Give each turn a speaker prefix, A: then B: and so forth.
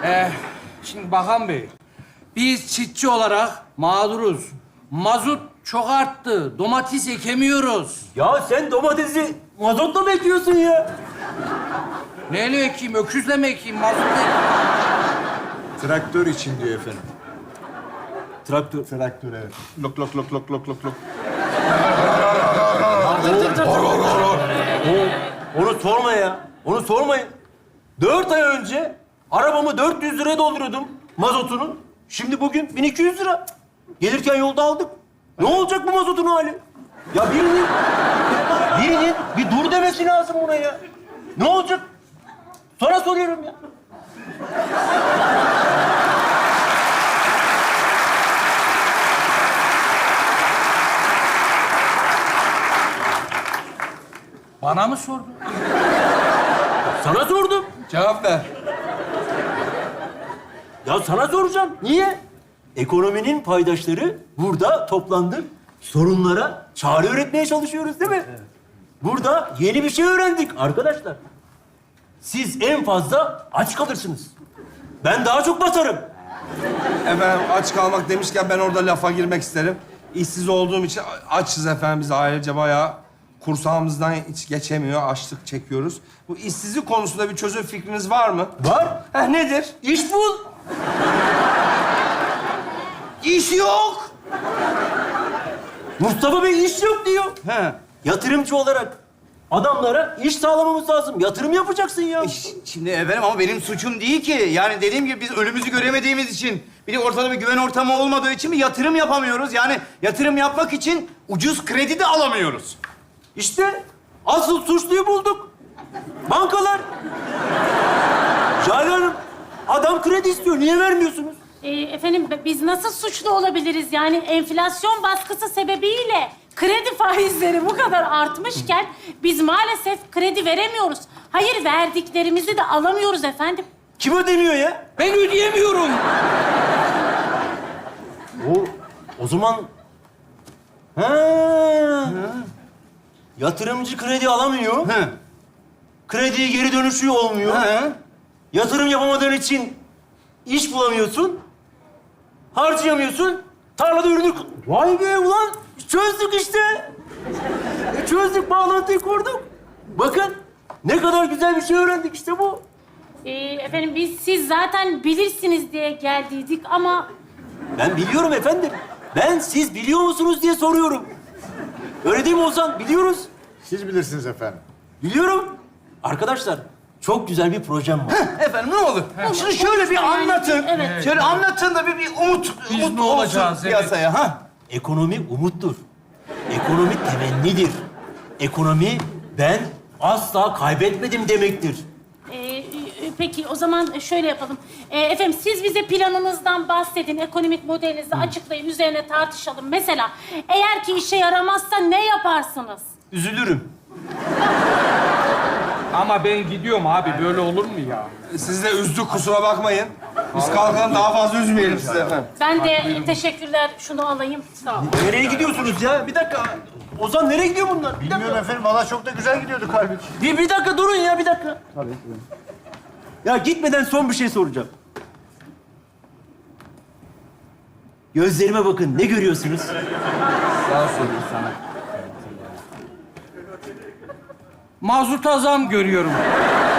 A: Şimdi Bakan Bey, biz çiftçi olarak mağduruz. Mazot çok arttı. Domates ekemiyoruz.
B: Ya sen domatesi mazotla mı ekiyorsun ya?
A: Neyle ekeyim? Öküzle mi ekeyim? Mazotla ekeyim.
C: Traktör için diyor efendim.
B: Traktör.
C: Traktör evet. Lok lok lok lok lok lok lok.
B: Onu sorma ya. Onu sormayın. 4 ay önce arabamı 400 liraya dolduruyordum mazotunu. Şimdi bugün 1200 lira. Gelirken yolda aldık. Ne olacak bu mazotun hali? Ya birinin bir dur demesi lazım buna ya. Ne olacak? Sonra soruyorum ya.
A: Bana mı sordun?
B: Sana sordum.
A: Cevap ver.
B: Ya sana soracağım. Niye? Ekonominin paydaşları burada toplandık. Sorunlara çare üretmeye çalışıyoruz değil mi? Evet. Burada yeni bir şey öğrendik arkadaşlar. Siz en fazla aç kalırsınız. Ben daha çok batarım.
D: Efendim aç kalmak demişken ben orada lafa girmek isterim. İşsiz olduğum için açız efendim biz ailece bayağı kursağımızdan hiç geçemiyor, açlık çekiyoruz. Bu işsizlik konusunda bir çözüm fikriniz var mı?
B: Var.
D: Nedir?
B: İş bul.
D: İş yok.
B: Mustafa Bey iş yok diyor.
D: He.
B: Yatırımcı olarak adamlara iş sağlamamız lazım. Yatırım yapacaksın ya.
E: Şimdi efendim ama benim suçum değil ki. Yani dediğim gibi biz önümüzü göremediğimiz için, bir de ortada bir güven ortamı olmadığı için bir yatırım yapamıyoruz. Yani yatırım yapmak için ucuz kredi de alamıyoruz.
B: İşte asıl suçluyu bulduk. Bankalar. Jale Hanım, adam kredi istiyor. Niye vermiyorsunuz?
F: Efendim biz nasıl suçlu olabiliriz? Yani enflasyon baskısı sebebiyle kredi faizleri bu kadar artmışken biz maalesef kredi veremiyoruz. Hayır, verdiklerimizi de alamıyoruz efendim.
B: Kim ödemiyor ya?
A: Ben ödeyemiyorum.
B: O zaman... Yatırımcı kredi alamıyor.
E: He.
B: Krediye geri dönüşü olmuyor.
E: He.
B: Yatırım yapamadığın için iş bulamıyorsun. Harcayamıyorsun. Tarlada ürünü... Vay be ulan! Çözdük işte. Çözdük, bağlantıyı kurduk. Bakın ne kadar güzel bir şey öğrendik işte bu.
F: Efendim siz zaten bilirsiniz diye geldiydik ama...
B: Ben biliyorum efendim. Ben siz biliyor musunuz diye soruyorum. Öyle değil mi Ozan? Biliyoruz.
C: Siz bilirsiniz efendim.
B: Biliyorum. Arkadaşlar çok güzel bir projem var.
E: Efendim ne olur? Şunu şöyle bir anlatın.
F: Evet.
E: Şöyle anlatın da bir umut
A: Biz ne
E: olsun
A: olacağız, evet.
E: piyasaya. Ha?
B: Ekonomi umuttur. Ekonomi temennidir. Ekonomi ben asla kaybetmedim demektir.
F: Peki o zaman şöyle yapalım. Efendim siz bize planınızdan bahsedin, ekonomik modelinizi açıklayın, üzerine tartışalım. Mesela eğer ki işe yaramazsa ne yaparsınız?
B: Üzülürüm.
A: Ama ben gidiyorum abi. Böyle olur mu ya?
D: Siz de üzdük kusura bakmayın. Biz kalkalım daha fazla üzmeyelim sizi efendim.
F: Ben de teşekkürler, şunu alayım. Sağ olun.
B: Nereye gidiyorsunuz ya? Bir dakika. Ozan nereye gidiyor bunlar? Bir
C: Bilmiyorum
B: dakika.
C: efendim. Valla çok da güzel gidiyorduk halbuki.
B: Bir dakika durun ya, bir dakika. Tabii. Ya gitmeden son bir şey soracağım. Gözlerime bakın. Ne görüyorsunuz?
A: Daha sorayım sana. Mazota zam görüyorum.